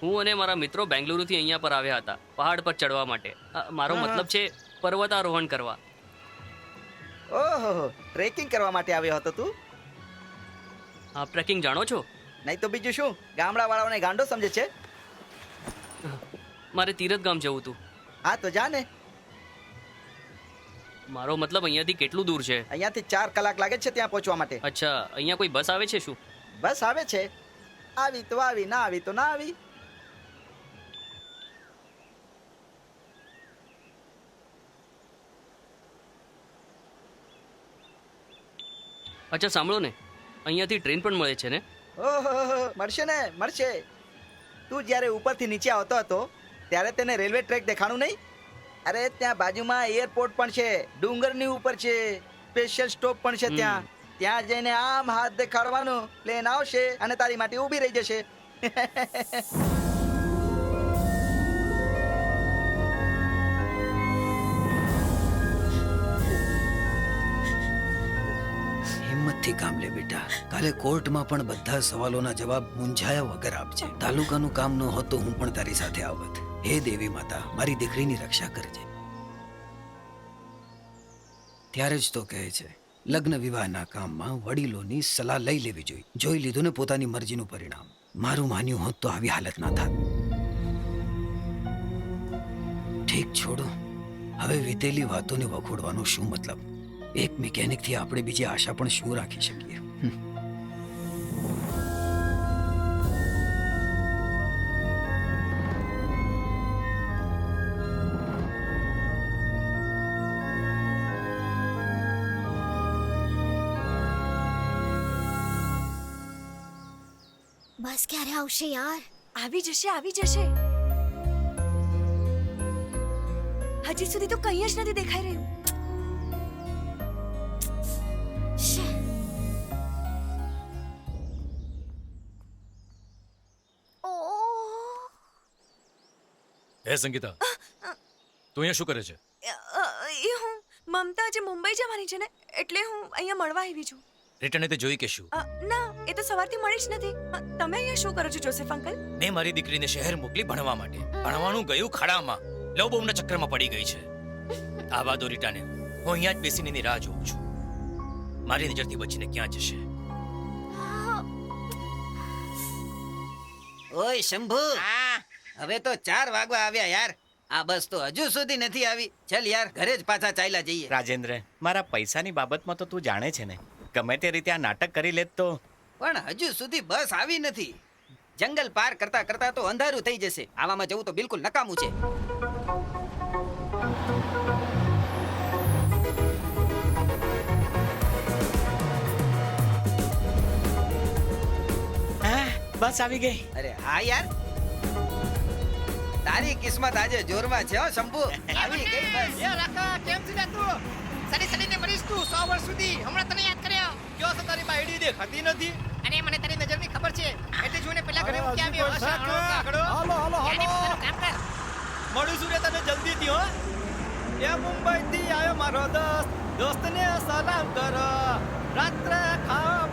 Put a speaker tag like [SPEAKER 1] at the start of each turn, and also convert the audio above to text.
[SPEAKER 1] હું અને મારા મિત્રો બેંગલુરુથી અહીંયા પર આવ્યા હતા પહાડ પર ચડવા માટે. મારો મતલબ છે પર્વતારોહણ કરવા.
[SPEAKER 2] ઓહો, ટ્રેકિંગ કરવા માટે આવ્યો હતો તું?
[SPEAKER 1] આપ ટ્રેકિંગ જાણો છો?
[SPEAKER 2] નહીં તો બીજું શું, ગામડા વાળાઓને ગાંડો સમજે છે.
[SPEAKER 1] મારે તીરથ ગામ જવું હતું.
[SPEAKER 2] હા તો જા ને.
[SPEAKER 1] મારો મતલબ અહીંયાથી કેટલું દૂર છે?
[SPEAKER 2] અહીંયાથી 4 કલાક લાગે છે ત્યાં પહોંચવા માટે.
[SPEAKER 1] અચ્છા, અહીંયા કોઈ બસ આવે છે શું?
[SPEAKER 2] બસ આવે છે, આવી તો આવી, ના આવી તો ના આવી.
[SPEAKER 1] અચ્છા સાંભળો ને, અહીંયાથી ટ્રેન પણ મળે છે ને?
[SPEAKER 2] ઓહો, મળશે ને, મળશે. તું જ્યારે ઉપરથી નીચે આવતો હતો ત્યારે તેને રેલવે ટ્રેક દેખાણું નહીં? અરે ત્યાં બાજુમાં એરપોર્ટ પણ છે, ડુંગરની ઉપર છે, સ્પેશિયલ સ્ટોપ પણ છે ત્યાં. ત્યાં જઈને આમ હાથ દેખાડવાનો, પ્લેન આવશે અને તારી માટે ઊભી રહી જશે.
[SPEAKER 3] હિંમતથી કામ લે બેટા. કાલે કોર્ટમાં પણ બધા સવાલોના જવાબ મૂંઝાયા વગર આપજે. તાલુકાનું કામ ન હોત તો હું પણ તારી સાથે આવત. હે દેવી માતા, મારી દીકરીની રક્ષા કરજે. ત્યારે જ તો કહે છે, લગ્ન વિવાહના કામમાં વડીલોની સલાહ લઈ લેવી જોઈએ. જોઈ લીધું ને પોતાની મરજીનું પરિણામ. મારું માન્યું હોત તો આવી હાલત ના થાત. ઠીક, છોડો. હવે વીતેલી વાતોને વખોડવાનો શું મતલબ? એક મિકેનિકથી આપણે બીજી આશા પણ શું રાખી શકીએ?
[SPEAKER 4] બસ ક્યારે આવશે યાર?
[SPEAKER 5] આવી જશે, આવી જશે. હજી સુધી તો કંઈ જ નથી દેખાઈ રહ્યું.
[SPEAKER 6] હે સંગીતા, તું અહીંયા શું કરે છે?
[SPEAKER 5] એ હું મમતા આજે મુંબઈ જવાની છે ને, એટલે હું અહીંયા મળવા આવી છું.
[SPEAKER 6] રિટર્ન તે જોઈ કે શું?
[SPEAKER 5] ના, એ તો સવારથી મળી જ નથી. તમે અહીંયા શું કરો છો જોસેફ અંકલ?
[SPEAKER 6] મેં મારી દીકરીને શહેર મોકલી ભણવા માટે. ભણવાનું ગયું ખાડામાં, લવ બહુના ચક્કરમાં પડી ગઈ છે. આવા દો રીટાને, હું અહીંયા જ બેસીને એની રાહ જોઉં છું. મારી નજરથી બચીને ક્યાં જશે?
[SPEAKER 3] ઓય શંભુ, હવે તો 4 વાગવા આવ્યા યાર. આ બસ તો હજુ સુધી નથી આવી. ચલ યાર, ઘરે જ પાછા ચાલ્યા જઈએ.
[SPEAKER 7] રાજેન્દ્ર, મારા પૈસાની બાબતમાં તો તું જાણે છે ને, ગમે તે રીતે આ નાટક કરી લેત તો.
[SPEAKER 3] પણ હજુ સુધી બસ આવી નથી. જંગલ પાર કરતા કરતા તો અંધારું થઈ જશે. આવામાં જવું તો બિલકુલ નકામું છે.
[SPEAKER 7] બસ આવી ગઈ.
[SPEAKER 3] અરે હા યાર, તારી કિસ્મત આજે જોરમાં છે હો શંભુ. આવી ગઈ બસ.
[SPEAKER 8] એ રાખા, કેમ છે ને તું? સડીને મરીશ તું 100 વર્ષ સુધી. હમણાં તને યાદ કર્યો. કયો છે તારી બાયડી દેખાતી નથી? અને મને તારી નજરની ખબર છે, એટલે જોઈને પેલા ઘરે મૂકી આવ્યો. હાલો હાલો હાલો, કામ કર.
[SPEAKER 9] મળું છું રે તને જલ્દીથી હો. એ મુંબઈથી આવ્યો મારો દોસ્તને સલામ કરો. રાત્રે ખાવા